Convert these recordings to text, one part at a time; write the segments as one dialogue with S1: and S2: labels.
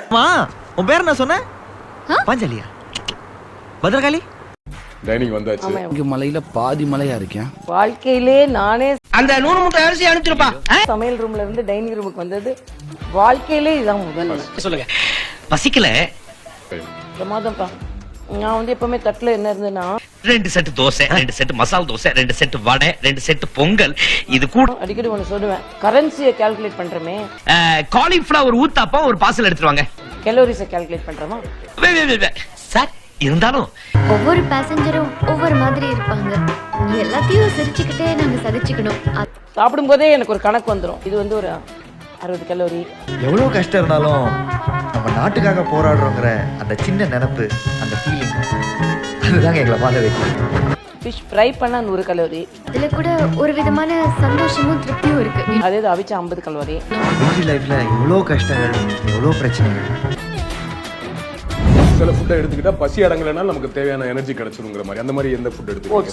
S1: உன் பேர் என்ன சொன்ன? பாஞ்சாலியா? பத்ரகாளி?
S2: டைனிங் வந்தாச்சு.
S3: இங்க மலையில பாதி மலையா இருக்கேன்.
S4: வாழ்க்கையிலே நானே
S5: அந்த 100 மூட்டை அரிசி அனுப்பிச்சிருப்பா.
S4: சமையல் ரூம்ல இருந்து டைனிங் ரூமுக்கு வந்தது வாழ்க்கையிலே இதான் முதல்.
S5: சொல்லுங்க. பசிக்கல.
S4: பிரமாதம்ப்பா. நான் வந்து எப்பவுமே தட்டுல என்ன இருந்ததுன்னா
S5: 2 set dosa, 2 set masal dosa, 2 set vada, 2 set pongal. இது கூட
S4: அடிக்கடி ஒண்ணு சொல்லுவேன், கரன்சியை கால்குலேட் பண்றமே,
S5: காலிஃபிளவர் ஊத்தாப்பா ஒரு பார்சல் எடுத்துட்டு வாங்க.
S4: கலோரிஸை கால்குலேட் பண்றோமா
S5: சார் இருந்தாலும்
S6: ஒவ்வொரு பேசஞ்சரும் ஒவ்வொரு மாதிரி இருப்பாங்க. எல்லாத்தையும் சிரிச்சுக்கிட்டே நாங்க சகிச்சுக்கணும்.
S4: சாப்பிடும் போதே எனக்கு ஒரு கணக்கு வந்துடும். இது வந்து ஒரு 60 கலோரி.
S1: எவ்வளவு கஷ்டம் இருந்தாலும் நம்ம நாட்டுக்காக போராடுறோங்கிற அந்த சின்ன நினைப்பு, அந்த ஃபீலிங், அதுதாங்க எங்களை வாழ வைக்கும்.
S4: ஃபிஷ் ஃப்ரை பண்ணா 100 கலோரி.
S6: அதுல கூட ஒரு விதமான சந்தோஷமும் திருப்தியும் இருக்கு.
S4: அதே இது அவிச்சா 50 கலோரி.
S1: பிஸி லைஃப்ல எவ்வளோ கஷ்டங்கள், எவ்வளோ பிரச்சனைகள்.
S2: சில ஃபுட்டை எடுத்துக்கிட்டா பசி அடங்கலைன்னா நமக்கு தேவையான எனர்ஜி கிடைச்சிருங்கிற மாதிரி, அந்த மாதிரி எந்த ஃபுட் எடுத்துக்கிட்டீங்க?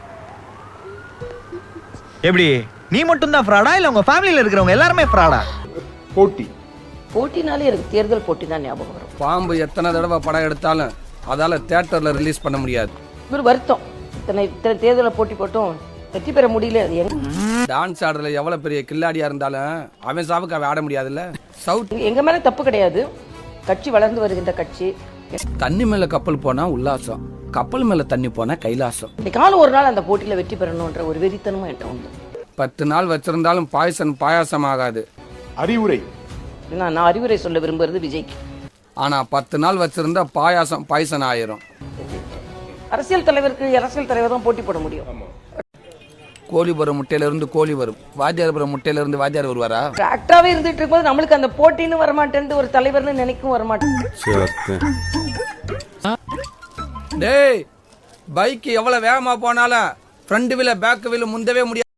S1: எப்படி நீ மட்டும் தான் ஃப்ராடா இல்ல உங்க ஃபேமிலில இருக்கிறவங்க எல்லாருமே ஃப்ராடா?
S4: போட்டினாலே எனக்கு தேர்தல் போட்டி தான் ஞாபகம் வரும்.
S3: பாம்பு எத்தனை தடவை படம் எடுத்தாலும் அதால தியேட்டர்ல ரிலீஸ் பண்ண முடியாது.
S4: ஒரு வருத்தம், இத்தனை தேர்தலை போட்டி போட்டும் வெற்றி பெற முடியல.
S3: டான்ஸ் ஆடுறதுல எவ்வளவு பெரிய கில்லாடியா இருந்தாலும் அவன் சாவுக்கு அவன் ஆட முடியாதுல்ல. சவுத்
S4: எங்க மேல தப்பு கிடையாது. கட்சி வளர்ந்து வருகின்ற கட்சி.
S3: தண்ணி மேல கப்பல் போனா உல்லாசம், கப்பல் மேல தண்ணி போனா கைலாசம்.
S4: காலம் ஒரு நாள் அந்த போட்டியில வெற்றி பெறணும்ன்ற ஒரு வெறித்தனமும் என்கிட்ட உண்டு.
S3: 10 நாள் வச்சிருந்தாலும் பாயாசம் ஆகாது.
S2: அறிவுரை,
S4: நான் அறிவுரை சொல்ல விரும்புறது விஜய்க்கு.
S3: ஆனா 10 நாள் வச்சிருந்தா பாயசம் ஆயிரும்.
S4: அரசியல் தலைவர் தான் போட்டி போட முடியும்.
S3: கோழி வரும் முட்டையில இருந்து கோழி வரும், வாத்தியார் வரும் முட்டையில இருந்து வாத்தியார் வருவாரா?
S4: ஆக்டராவே இருந்துட்டு இருக்கும்போது நம்மளுக்கு அந்த போட்டின்னு வரமாட்டேன், ஒரு தலைவர்னு நினைக்கும் வரமாட்டேன்.
S3: டேய், பைக் எவ்வளவு வேகமா போனாலும் ஃப்ரண்ட் வீல பேக் வீல முந்தவே முடியாது.